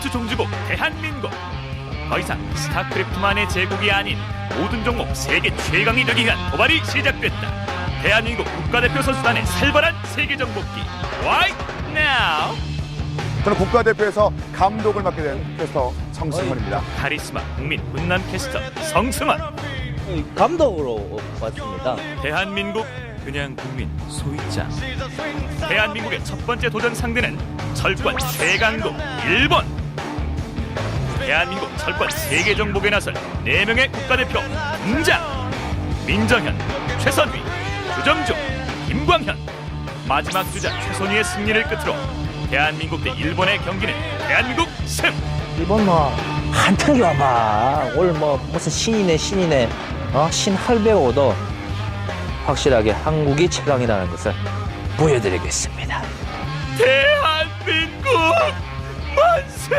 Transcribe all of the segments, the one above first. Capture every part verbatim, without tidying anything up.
스포츠 종주국 대한민국. 더 이상 스타크래프트만의 제국이 아닌 모든 종목 세계 최강이 되기 위한 도발이 시작됐다. 대한민국 국가대표 선수단의 살벌한 세계 정복기 Right now. 저는 국가대표에서 감독을 맡게 된 캐스터 성승원입니다. 카리스마 국민 훈남 캐스터 성승원. 감독으로 왔습니다. 대한민국 그냥 국민 소희자. 대한민국의 첫 번째 도전 상대는 철권 최강국 일본. 대한민국 철권 세계 정복에 나설 네 명의 국가대표 등장. 민정현, 최선휘, 주정중, 김광현. 마지막 주자 최선휘의 승리를 끝으로 대한민국 대 일본의 경기는 대한민국 승. 일본 뭐 한탕기 와봐. 오늘 뭐 무슨 신이네 신이네. 어? 신할배고도 확실하게 한국이 최강이라는 것을 보여드리겠습니다. 대한민국 만세!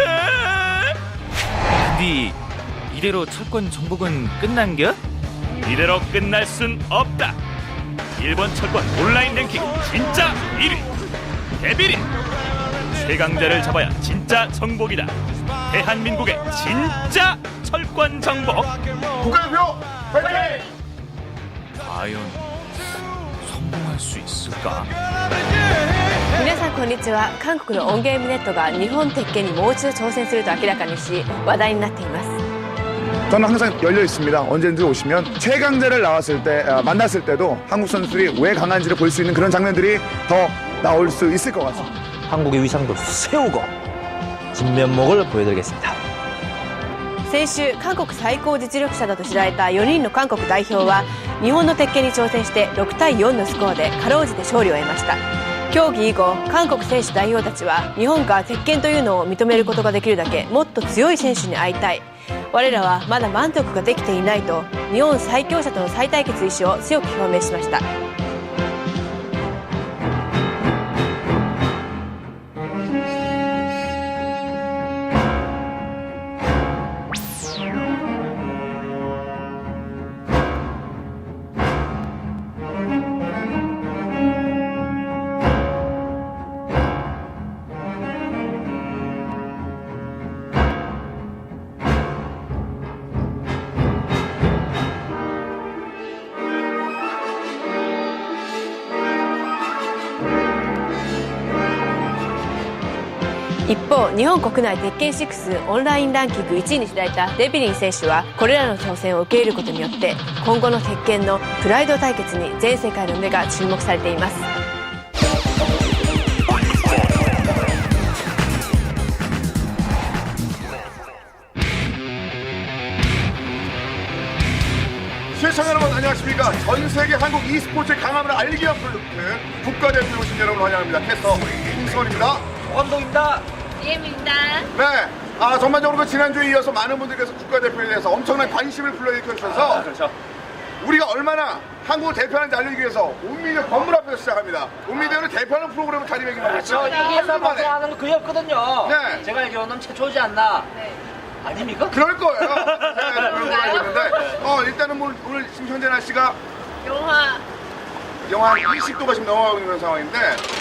근데 이대로 철권 정복은 끝난겨? 이대로 끝날 순 없다. 일본 철권 온라인 랭킹 진짜 일 위 데빌이 최강자를 잡아야 진짜 정복이다. 대한민국의 진짜 철권 정복. 국가대표 화이팅! 과연 성공할 수 있을까? 皆さんこんにちは。韓国のオンゲームネットが日本鉄拳にもう一度挑戦すると明らかにし話題になっています。 저는 항상 열려 있습니다. 언제든지 오시면 최강자를 나왔을 때 아, 만났을 때도 한국 선수들이 왜 강한지를 볼 수 있는 그런 장면들이 더 나올 수 있을 것 같습니다. 한국의 위상도 세우고 진면목을 보여드리겠습니다. 先週韓国最高実力者だと知られたよにんの韓国代表は日本の鉄拳に挑戦してろくたいよんのスコアでかろうじて勝利を得ました。競技以後韓国選手代表たちは日本が鉄拳というのを認めることができるだけもっと強い選手に会いたい、我らはまだ満足ができていないと日本最強者との再対決意思を強く表明しました。 一方、日本国内鉄拳シックスオンラインランキングいちいに知られたデビリン選手はこれらの挑戦を受け入れることによって今後の鉄拳のプライド対決に全世界の目が注目されています。 시청자 여러분 안녕하십니까. 전 세계 한국 e스포츠의 강함을 알리기 위한 프로젝트 국가대표에 오신 여러분 환영합니다. 캐스터 홍승원입니다. 감독입니다. 이엠입니다. 네, 아 전반적으로 그 지난주에 이어서 많은 분들께서 국가대표에 대해서 엄청난 관심을 불러일으켜 주셔서 아, 그렇죠. 우리가 얼마나 한국을 대표하는지 알리기 위해서 온미디어 건물 앞에서 시작합니다. 온미디어는 대표하는 프로그램을 자리매김하고 있죠. 저 여기에서 방송하는 거 그였거든요. 네. 제가 알기로는 최초지 않나. 네. 아닙니까? 그럴 거예요. 네, 그런 걸 알고 있는데 어, 일단은 뭐 오늘 지금 현재 날씨가 영화 영하 이십 도가 지금 넘어가고 있는 상황인데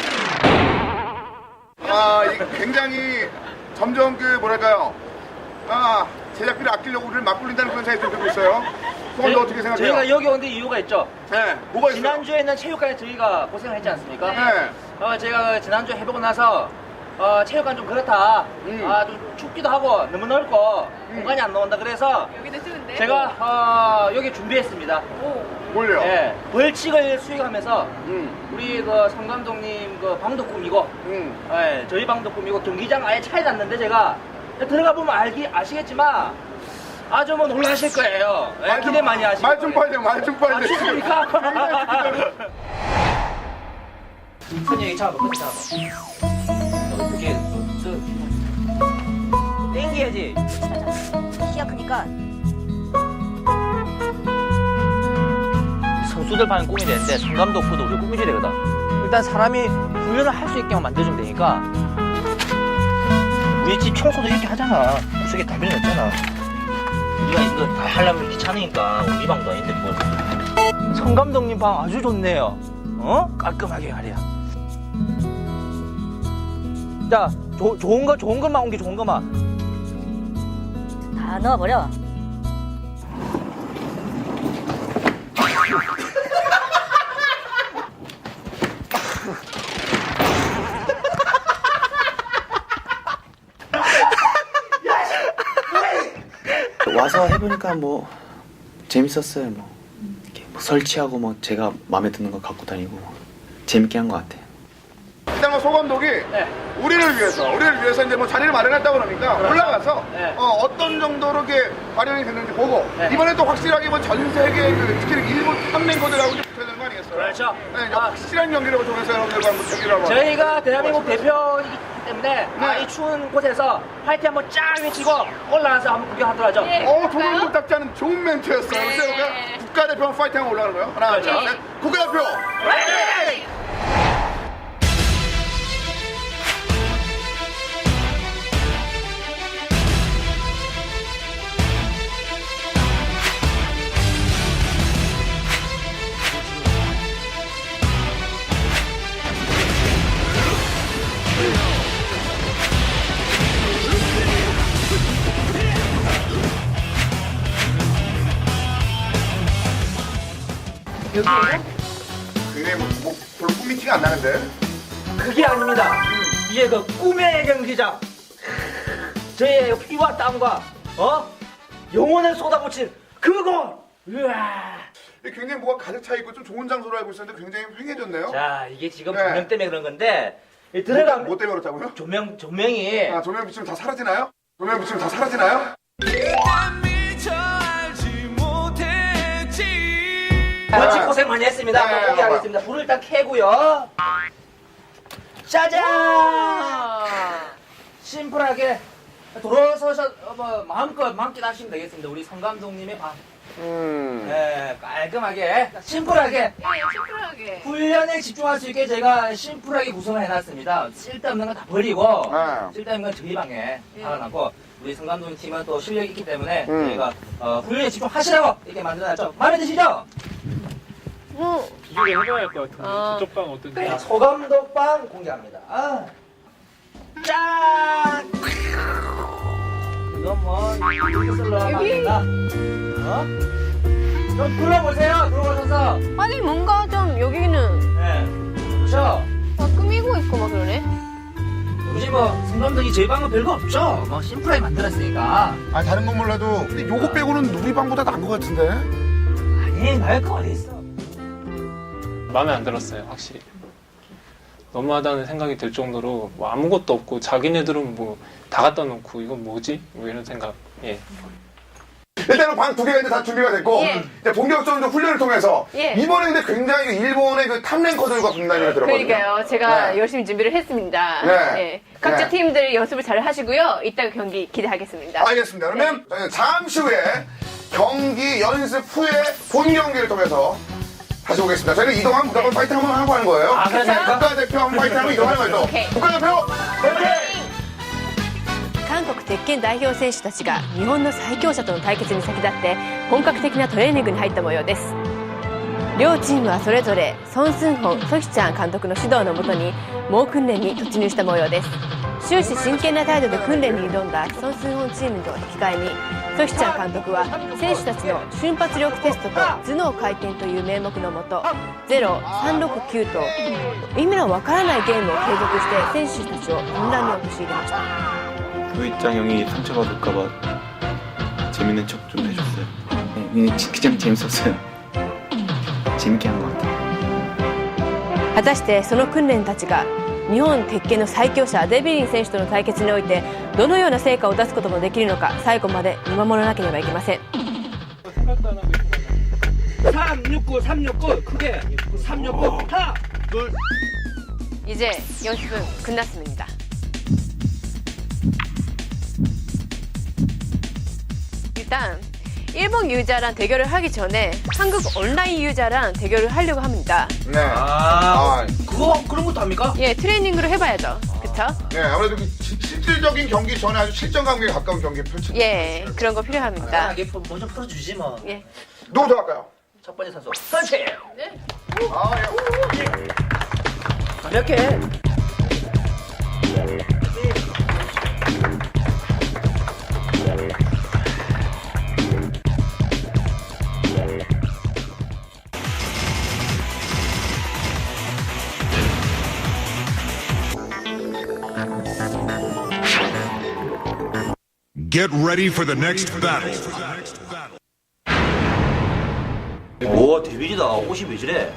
아, 이 굉장히 점점 그 뭐랄까요 아, 제작비를 아끼려고 우리를 맞불린다는 그런 생각이 들고 있어요. 그건 어떻게 생각해요? 저희가 여기 온 데 이유가 있죠. 네, 뭐가 있어요? 지난주에는 체육관에 저희가 고생을 했지 않습니까? 네. 어, 제가 지난주에 해보고 나서 어, 체육관 좀 그렇다. 음. 아, 좀 춥기도 하고 너무 넓고 공간이 안 나온다. 그래서 여기도 추운데? 제가 어, 여기 준비했습니다. 뭘요? 예, 벌칙을 수행하면서 음, 우리 그 성 감독님 그 방도 꾸미고 음. 예, 저희 방도 꾸미고 경기장 아예 차에 놨는데 제가 들어가 보면 알기 아시겠지만 아주 뭐 놀라실 거예요. 예, 말 좀- 기대 많이 하시고. 말 좀 빨리, 말 좀 빨리. 아, 좋습니까? 큰 얘기 잡아, 큰 잡아. 이렇게 저 땡겨야지. 키가 크니까 선수들 반은 꿈이 되는데 성감독 부도 우리 꿈이줘야 되거든. 일단 사람이 훈련을 할 수 있게만 만들어주면 되니까 우리 집 청소도 이렇게 하잖아. 구석에 달변이 없잖아. 우리가 이거 다 하려면 귀찮으니까 우리 방도 아닌데 뭘. 성 감독님 방 아주 좋네요. 어? 깔끔하게 말이야. 자, 조, 좋은 거 좋은 것만 온 게 좋은 것만. 다 넣어버려. 와서 해보니까 뭐 재밌었어요. 뭐, 이렇게 뭐 설치하고 뭐 제가 마음에 드는 거 갖고 다니고 재밌게 한 것 같아요. 일단 뭐 소감독이 우리를 위해서 우리를 위해서 이제 뭐 자리를 마련했다고 그러니까 올라가서 네. 어, 어떤 정도로 이렇게 활용이 됐는지 보고 네. 이번에 또 확실하게 뭐 전 세계 그, 특히 일본 탑랭커들하고 좀 붙어야 되는 거 아니겠어요? 그렇죠. 네, 이제 아. 확실한 경기력을 통해서 여러분들과 한번 경기를 한번 저희가 대한민국 대표이기 때문에 아, 네. 이 추운 곳에서 파이팅 한번 쫙 외치고 올라가서 한번 구경하도록 하죠. 어, 조금답지 않은 좋은 멘트였어요. 그래서 우리가 국가대표 파이팅 하고 올라가는 거예요. 하나, 둘, 그렇죠. 셋. 국가대표! 파이팅! 굉장히 뭐, 뭐 별로 꿈이 티가 안 나는데. 그게 아닙니다. 이게 그 꿈의 경기장. 저의 피와 땀과 어 영혼을 쏟아붙인 그곳. 우와. 굉장히 뭐가 가득 차 있고 좀 좋은 장소로 알고 있었는데 굉장히 휑해졌네요. 자 이게 지금 네. 조명 때문에 그런 건데 이 뭐, 들어가면 뭐 때문에 그렇다고요? 조명 조명이 아, 조명 비치면 다 사라지나요? 조명 비치면 다 사라지나요? 같이 고생 많이 했습니다. 네, 한번 포기하겠습니다. 불을 일단 켜고요. 짜잔! 심플하게 돌아서셔 어, 뭐, 마음껏 만끽하시면 되겠습니다. 우리 성 감독님의 방. 음. 네, 깔끔하게, 심플하게, 심플하게. 훈련에 집중할 수 있게 제가 심플하게 구성을 해놨습니다. 쓸데없는 건 다 버리고, 네. 쓸데없는 건 저희 방에 달아놨고, 우리 성 감독님 팀은 또 실력이 있기 때문에 음. 저희가 어, 훈련에 집중하시라고 이렇게 만들어놨죠. 마음에 드시죠? 뭐, 비교를 해봐야 할 것 같은데 아. 저쪽 방 어떤지. 자, 소감독 방 공개합니다. 아. 짠! 이건 뭐, 이렇게 쓸러 갑니다. 어? 좀 둘러보세요, 들어오셔서. 아니 뭔가 좀 여기는 네. 그렇죠? 막 꾸미고 있고 막 그러네. 굳이 뭐, 성 감독이 저희 방은 별거 없죠? 뭐, 심플하게 만들었으니까. 아, 다른 건 몰라도 근데 요거 빼고는 우리 방보다 나은 것 같은데. 아니, 나을 거 어딨어. 마음에 안 들었어요, 확실히. 너무하다는 생각이 들 정도로 뭐 아무것도 없고 자기네들은 뭐 다 갖다 놓고 이건 뭐지? 뭐 이런 생각. 예. 일단은 방 두 개가 이제 다 준비가 됐고 예. 이제 본격적으로 좀 훈련을 통해서 예. 이번에 근데 굉장히 일본의 그 탑랭커들과 붙는다는 얘기가 들었거든요. 그러니까요. 제가 네. 열심히 준비를 했습니다. 네. 예. 각자 네. 팀들 연습을 잘 하시고요. 이따가 경기 기대하겠습니다. 알겠습니다. 그러면 저희는 잠시 후에 경기 연습 후에 본 경기를 통해서 다시 오겠습니다. 저희는 이동하면 무조건 파이팅 한번 하고 하는 거예요. 아, 그렇습니까? 국가대표 한번 파이팅 하고 이동하는 거죠. 오케이. 국가대표 파이팅! 韓国鉄拳代表選手たちが日本の最強者との対決に先立って本格的なトレーニングに入った模様です。両チームはそれぞれソン・スンホン・ソヒチャン監督の指導のもとに猛訓練に突入した模様です。終始真剣な態度で訓練に挑んだソン・スンホンチームと引き換えにソヒチャン監督は選手たちの瞬発力テストと頭脳回転という名目のもとゼロ、さんろくきゅうと意味のわからないゲームを継続して選手たちを混乱に陥れました。 노이짱 형이 상처받을까봐 재밌는 척 좀 해줬어요. 네, 그냥, 그냥 재밌었어요. 재밌게 한 것 같아요. 果たしてその訓練たちが日本鉄拳の最強者デビリン選手との対決においてどのような成果を出すこともできるのか最後まで見守らなければいけません。 삼육구, 삼육구, 크게. 삼육구, 하나, 둘. 이제 연습은 끝났습니다. 일단 일본 유저랑 대결을 하기 전에 한국 온라인 유저랑 대결을 하려고 합니다. 네. 아, 아, 그거, 그런 것도 합니까? 예, 트레이닝으로 해봐야죠. 그쵸? 네, 아무래도 그 시- 실질적인 경기 전에 아주 실전 감각에 가까운 경기 펼치. 예, 그런 거 필요합니다. 이게 뭐좀 풀어주지 뭐. 예. 누구부터 할까요? 첫 번째 선수, 선치! 아, 예. 가볍게. Get ready for the next battle. 오 데뷔지다. 옷이 왜 저래?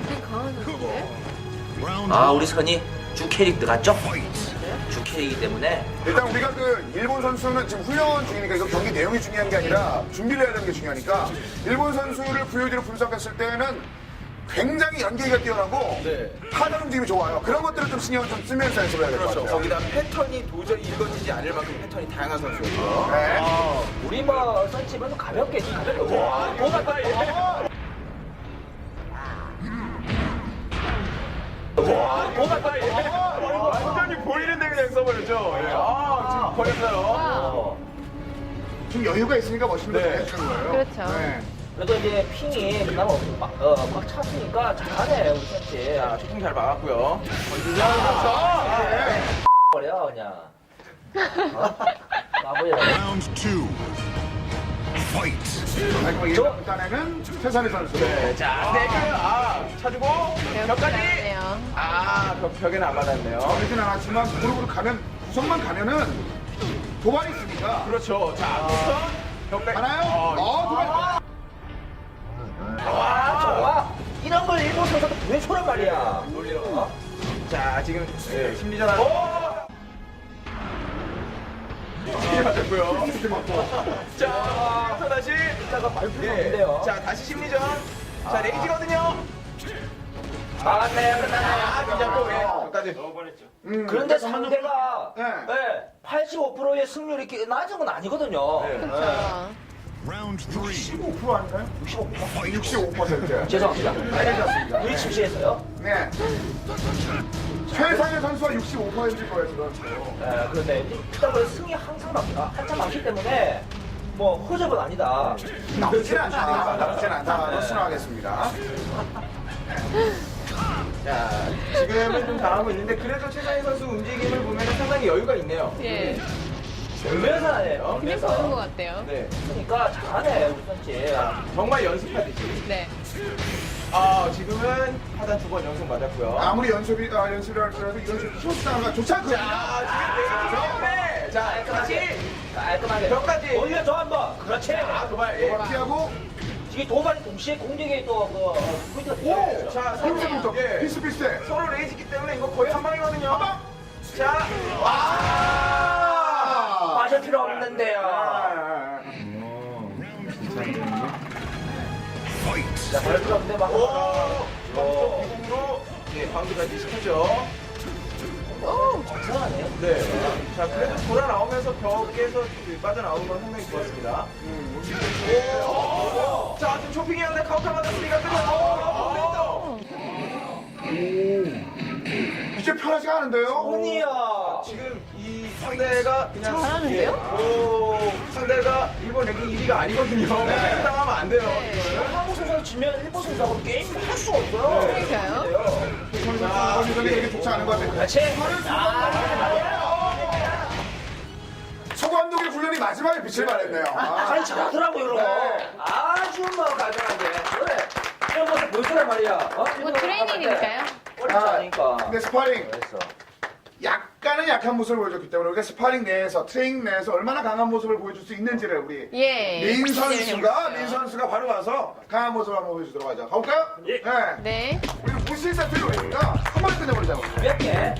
아 우리 선이 주 캐릭터 같죠? 주 캐릭이기 때문에 일단 우리가 그 일본 선수는 지금 훈련 중이니까 이거 경기 내용이 중요한 게 아니라 준비를 해야 되는 게 중요하니까 일본 선수를 브이오디로 분석했을 때는 굉장히 연계가 뛰어나고 타는 움직임이 좋아요. 그런 것들을 좀 신경을 좀 쓰면서 연습을 해야 될 것 같아요. 거기다 패턴이 도저히 읽어지지 않을 만큼 패턴이 다양한 선수였고요. 네. 우리 뭐 선집은 가볍게 가볍게 와 도망가 얘. 와 도망가 얘. 완전히 보이는데 그냥 써버렸죠. 예. 아, 지금 버렸어요. 좀 여유가 있으니까 멋있는 네. 거 거예요. 그렇죠. 네. 그래도 이제 핑이 그나마 막, 어, 막 찼으니까 잘하네 우리 선집. 자, 조금 잘 막았고요. 버려 그냥. 어? 마무리라. Round two. Fight. 아이고, 일- 일단에는 최선희 선수. 네, 자, 네, 그, 아, 차주고, 벽까지. 네요. 아, 벽, 벽에는 안 맞았네요. 그렇진 않았지만 무릎으로 가면 구성만 가면은 도발이 있으니까. 그렇죠. 자, 우선 벽까지. 하나요? 어, 어, 도발. 와 좋아. 이런 걸 일본 선수가 왜 저란 말이야. 놀리러. 자, 지금 예, 심리전 하나. 심리 맞았고요. 자, 여기서 다시. 이따가 말풀이 예. 없는데요. 자, 다시 심리전. 자, 레이지거든요. 아, 네, 끝나네. 아, 그냥 또 왜? 여기까지. 음. 그런데 상대가 네. 네, 팔십오 퍼센트의 승률이 이렇게 낮은 건 아니거든요. 네. 그렇죠. Round three. 십오 퍼센트 아닌가요? 육십오 퍼센트. 육십오 퍼센트. 죄송합니다. 알려드렸습니다. 우리 침시했어요. 네. 최상의 선수가 육십오 퍼센트일 거예요, 지금. 네, 그런데 일단 그 승이 항상 많, 아, 한참 많기 때문에 뭐 허접은 아니다. 나쁘진 않다. 나쁘진 않다. 수능하겠습니다. 자, 지금은 좀 당하고 있는데 그래도 최상희 선수 움직임을 보면 상당히 여유가 있네요. 예. 연면사네요. 그냥 보는 것 같아요. 네, 그러니까 잘하네 우리 선지. 정말 연습하듯이. 네. 아, 지금은 하단 두 번 연속 맞았고요. 아무리 연습이, 아, 연습을 할지라도 이런 식으로 키워주다가 좋지 않거든요. 자, 지금 내기 처음에 자, 다시 깔끔하게. 벽까지. 올려줘 한번. 그렇지. 아, 도발. 예. 피하고, 이게 도발이 동시에 공격에 또그 포인트가 들어가요. 오, 자, 힘세부터 예. 비슷비슷해. 서로 레이지기 때문에 이거 거의 한 방이거든요. 자, 와. 빠질 필요 없는데요. Fight. 자, 발 필요 없는데 막. 오, 비공으로 예, 방기까지 시켰죠. 오, 잘하네요. 네. 자, 그래도 돌아 나오면서 벽에서 그 빠져나오는 건 상당히 좋았습니다. 오, 자, 지금 쇼핑이 하는데 카운터 맞았으니까 끝났어. 이제 편하지가 않은데요? 언니야. 지금 이 상대가 그냥 잘하는데요? 예, 오, 상대가 일본 랭킹 일 위가 아니거든요. 네. 당하면 안 돼요. 이거는. 한국 선수 지면 일본 선수하고 게임 할 수가 없어요. 그러니까요. 자, 선수들이 이렇게 좋지 않은 것 같아요. 그렇지. 서 감독의 훈련이 마지막에 빛을 발했네요. 아, 아니 잘하더라고 이런 거. 네. 아주 뭐 깔끔하게. 그래. 이런 모습 보여주란 말이야. 어? 뭐 트레이닝이니까요. 어렵지 않으니까. 근데 스파링 그랬어. 약간은 약한 모습을 보여줬기 때문에 우리가 스파링 내에서 트레이닝 내에서 얼마나 강한 모습을 보여줄 수 있는지를 우리 예. 민 선수가 기대해보겠어요. 민 선수가 바로 와서 강한 모습을 한번 보여주도록 하죠. 가볼까요? 예. 네. 네. 우리 무실 세트를 올리니까 한 번에 끝내버리자고. 몇 개?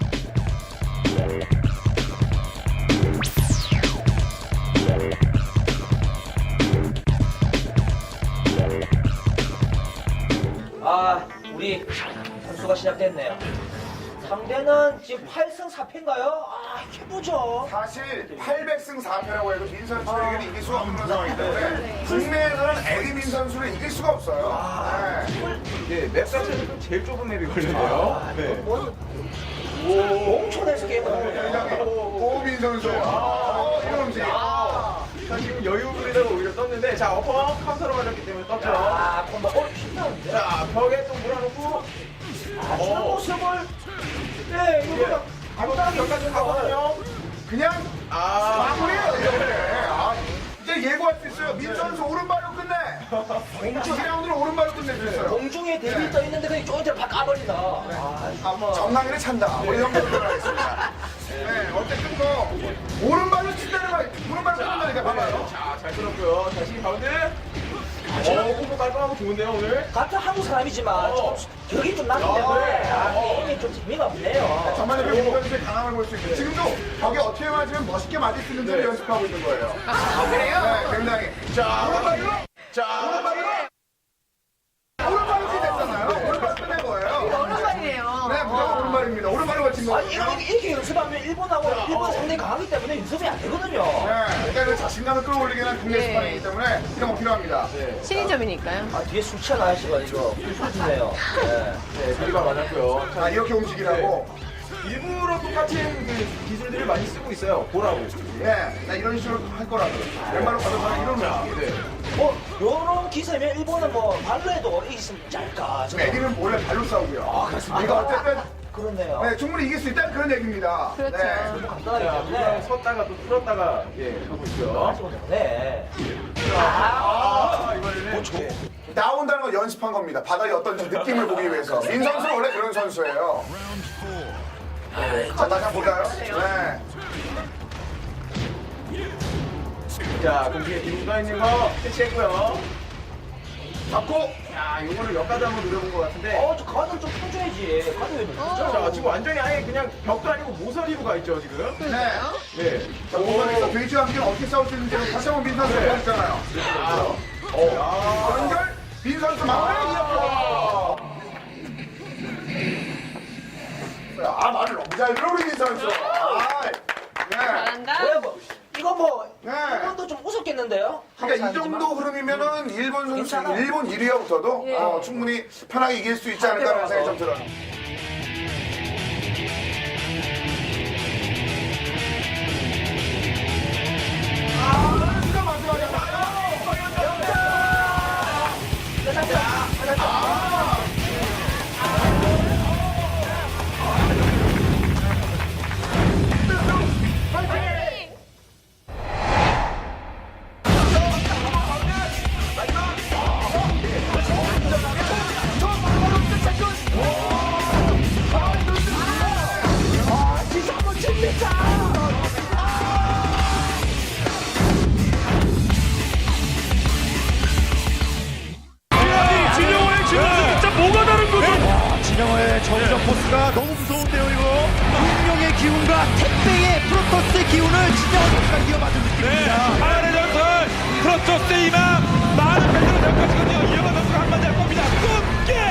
아, 우리 선수가 시작됐네요. 상대는 지금 팔 승 사 패인가요? 아, 해보죠. 사실 팔백승 사 패라고 해도 민 선수에게는 이길 수가 없는 상황이기 때문에 국내에서는 에디 민 선수를 이길 수가 없어요. 네. 예, 맵 자체는 제일 좁은 맵이 걸렸네요. 네. 뭐, 몽촌에서 게임을 하고 있네요. 오민 선수. 어, 이런 움직임. 자, 지금 여유 부리다가 오히려 떴는데, 자, 어퍼 카운터로 맞았기 때문에 떴죠. 아, 콤보. 어, 신나는데? 자, 벽에 또 몰아놓고, 아, 저런 모습을. 네, 이거 간단하게 여기까지 가거든요. 그냥 아, 마무리해요. 이제. 아, 이제 예고할 수 있어요. 민 선수 오른발로 끝내. 공주 이 라운드를 오른발로 끝낼 수 있어요. 공중에 대비 떠 있는데 그냥 쪼한테로 팍 까버린다. 아, 아, 정강이를 찬다. 우리 형들 들어가겠습니다. 네. 부담스럽고요. 다시 가운데. 어, 콤보 깔끔하고 좋은데요, 오늘? 같은 한국 사람이지만 어. 좀 격이 좀 나기 때문에 아, 게임이 좀 재미가 없네요. 전반적으로 민선수의 강함을 볼 수 있고 지금도 벽에 어떻게 맞으면 멋있게 맞을 수 있는지를 연습하고 있는 거예요. あ、그래요? 네, 굉장히. 자, 오른발로. 자, 오른발로. 오른발이 됐잖아요. 오른발 끝낸 거예요. 오른발이네요. 네, 무조건 오른발입니다. 오른발로 맞힌 거예요. 아니 이렇게, 이렇게 연습하면 일본하고 일본 상대 강하기 때문에 연습이 안 되거든요. 네, 일단 그 자신감을 끌어올리기 위한 국내 네. 스파링이기 때문에 이런 거 필요합니다. 신인점이니까요. 아 뒤에 술 취한 아저씨가 이거 술 주네요. 네. 네, 다리가 맞았고요. 자, 이렇게 움직이라고. 일부러 똑같은 그 기술들을 많이 쓰고 있어요. 보라고. 네, 나 이런 식으로 할 거라고. 왼발로 가져가는 이런 움직임. 네. 어, 요런 기세면 일본은 뭐 발로 해도 이기면 짤까. 지금 애기는 원래 발로 싸우고요. 아, 그렇습니다. 이거 어쨌든 그렇네요. 네, 충분히 이길 수 있다는 그런 얘기입니다. 그렇죠. 네. 간단하기 자, 때문에. 누구랑 섰다가 또 풀었다가, 예, 하고 있고요. 네. 아, 이번에는. 네. 나온다는 건 연습한 겁니다. 바닥이 어떤지 느낌을 보기 위해서. 민 선수는 원래 그런 선수예요. 자, 다시 한번 볼까요? 네. 자, 공중에 기둥가 있는 거 캐치했고요. 잡고. 야, 요거를 역가드 한번 노려본 것 같은데. 어, 저 가드를 좀 펴줘야지. 가드 왜 놓죠? 자, 지금 완전히 아예 그냥 벽도 아니고 모서리로 가 있죠, 지금. 네. 네. 자, 모선에서 돼지와 함께 어떻게 싸울 수 있는지 다시 한번 민 선수가 보여줬잖아요. 아, 어. 연결. 민 선수 마무리 이어서. 아, 말을 너무 잘 들어, 우리 민 선수. 아, 네. 잘한다. 왜 뭐, 이거 뭐, 네. 일본도 좀 우습겠는데요? 그러니까 이 정도 흐름이면은 일본 선수, 괜찮아. 일본 일 위와부터도 예. 어, 충분히 편하게 이길 수 있지 않을까라는 생각이 좀 들어요. 아, 진짜 마지막이야. 진영호의 진영호 진짜 뭐가 다른 거죠? 진영호의 정우정 포스가 너무 무서운데요, 이거. 운명의 기운과 택배의 프로토스의 기운을 진짜 어디가 이어받은 느낌입니다. 하나의 전설 프로토스의 희망 많은 팬들을 생각하시거든요. 이영환 선수가 한마디 할 겁니다. 꿈깨!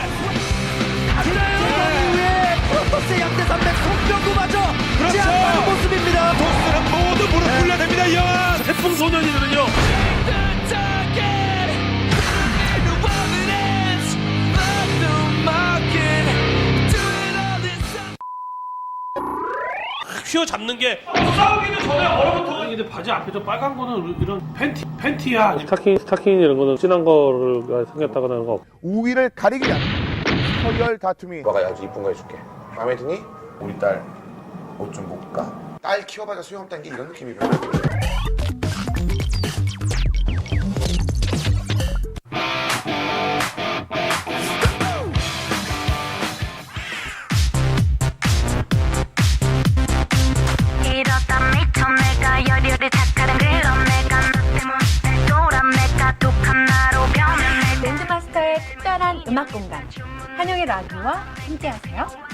그 이후에 프로토스의 양대 산맥 송병구마저 제압하는 모습입니다. 토스는 모두 무릎 꿇려야 됩니다. 이영환 태풍 소년이거든요. 휘어잡는 게 싸우기도 전에 얼어붙어. 근데 바지 앞에 저 빨간 거는 이런 팬티 팬티야. 아니면 스타킹 스타킹 이런 거는 진한 거를 생겼다거나 하는 거 없고. 우위를 가리기 위한 서열 다툼이 너가 아주 이쁜 거 해줄게. 마음에 드니? 우리 딸 옷 좀 볼까? 딸 키워봐야 소용없다는 게 이런 느낌이거든. 이러다 미쳐 내가 열혈이 착하던 그런 내가 나 때문에 돌아 내가 독한 나로 변해 랜드마스터의 특별한 음악 공간 한영의 라디오와 함께하세요.